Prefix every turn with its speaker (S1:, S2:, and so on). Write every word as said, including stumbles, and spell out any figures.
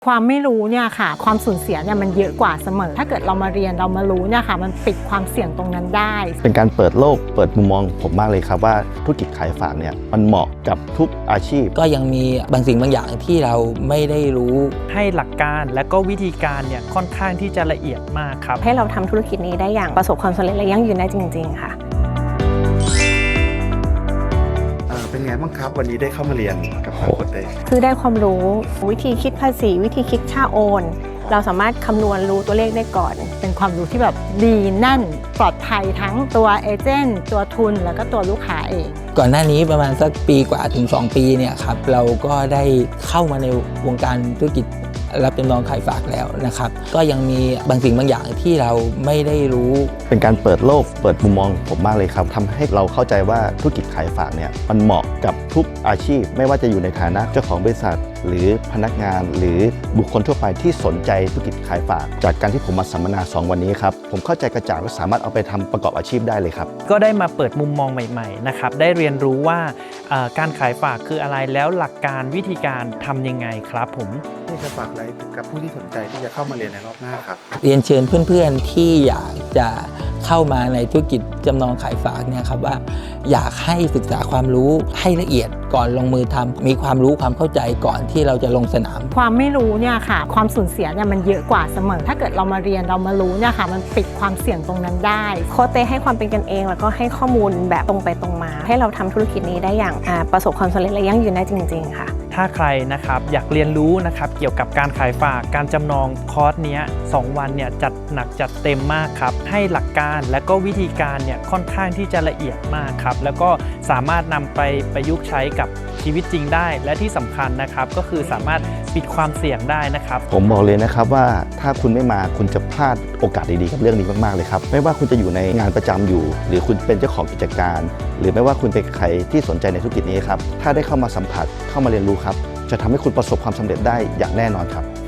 S1: ความไม่รู้เนี่ยค่ะความสูญเสียเนี่ยมันเยอะกว่าเสมอถ้าเกิดเรามาเรียนเรามารู้เนี่ยค่ะมันปิดความเสี่ยงตรงนั้นได้
S2: เป็นการเปิดโลกเปิดมุมมองผมมากเลยครับว่าธุรกิจขายฝากเนี่ยมันเหมาะกับทุกอาชีพ
S3: ก็ยังมีบางสิ่งบางอย่างที่เราไม่ได้รู้
S4: ให้หลักการและก็วิธีการเนี่ยค่อนข้างที่จะละเอียดมากครับ
S5: ให้เราทำธุรกิจนี้ได้อย่างประสบความสำเร็จและยั่งยืนได้จริงๆค่ะ
S6: เป็นไงบ้างครับวันนี้ได้เข้ามาเรียนกับทางโค้ชเต้
S5: คือได้ความรู้วิธีคิดภาษีวิธีคิดค่าโอนเราสามารถคำนวณรู้ตัวเลขได้ก่อน
S1: เป็นความรู้ที่แบบดีแน่นปลอดภัยทั้งตัวเอเจนต์ตัวทุนแล้วก็ตัวลูกค้าเอง
S3: ก่อนหน้านี้ประมาณสักปีกว่าถึงสองปีเนี่ยครับเราก็ได้เข้ามาในวงการธุรกิจรับจำนองขายฝากแล้วนะครับก็ยังมีบางสิ่งบางอย่างที่เราไม่ได้รู้
S2: เป็นการเปิดโลกเปิดมุมมองผมมากเลยครับทำให้เราเข้าใจว่าธุรกิจขายฝากเนี่ยมันเหมาะกับทุกอาชีพไม่ว่าจะอยู่ในฐานะเจ้าของบริษัทหรือพนักงานหรือบุคคลทั่วไปที่สนใจธุรกิจขายฝากจากการที่ผมมาสัมมนาสองวันนี้ครับผมเข้าใจกระจ่างและสามารถเอาไปทำประกอบอาชีพได้เลยครับ
S4: ก็ได้มาเปิดมุมมองใหม่ๆนะครับได้เรียนรู้ว่าการขายฝากคืออะไรแล้วหลักการวิธีการทำยังไงครับผม
S6: ที่จะฝากอะไรกับผู้ที่สนใจที่จะเข้ามาเรียนในรอบหน้าครับ
S3: เรียนเชิญเพื่อนๆที่อยากจะเข้ามาในธุรกิจจำนองขายฝากเนี่ยครับว่าอยากให้ศึกษาความรู้ให้ละเอียดก่อนลงมือทำมีความรู้ความเข้าใจก่อนที่เราจะลงสนาม
S1: ความไม่รู้เนี่ยค่ะความสูญเสียเนี่ยมันเยอะกว่าเสมอถ้าเกิดเรามาเรียนเรามารู้เนี่ยค่ะมันปิดความเสี่ยงตรงนั้นได้
S5: โค้ชเต้ให้ความเป็นกันเองแล้วก็ให้ข้อมูลแบบตรงไปตรงมาให้เราทำธุรกิจนี้ได้อย่างประสบความสำเร็จและยั่งยืนได้จริงๆค่ะ
S4: ถ้าใครนะครับอยากเรียนรู้นะครับเกี่ยวกับการขายฝากการจำนองคอร์สเนี้ยสองวันเนี่ยจัดหนักจัดเต็มมากครับให้หลักการและก็วิธีการเนี่ยค่อนข้างที่จะละเอียดมากครับแล้วก็สามารถนำไปประยุกต์ใช้กับชีวิตจริงได้และที่สำคัญนะครับก็คือสามารถปิดความเสี่ยงได้นะครับ
S2: ผมบอกเลยนะครับว่าถ้าคุณไม่มาคุณจะพลาดโอกาสดีๆกับเรื่องนี้มากๆเลยครับไม่ว่าคุณจะอยู่ในงานประจำอยู่หรือคุณเป็นเจ้าของกิจการหรือไม่ว่าคุณเป็นใครที่สนใจในธุรกิจนี้ครับถ้าได้เข้ามาสัมผัสเข้ามาเรียนรู้ครับจะทำให้คุณประสบความสำเร็จได้อย่างแน่นอนครับ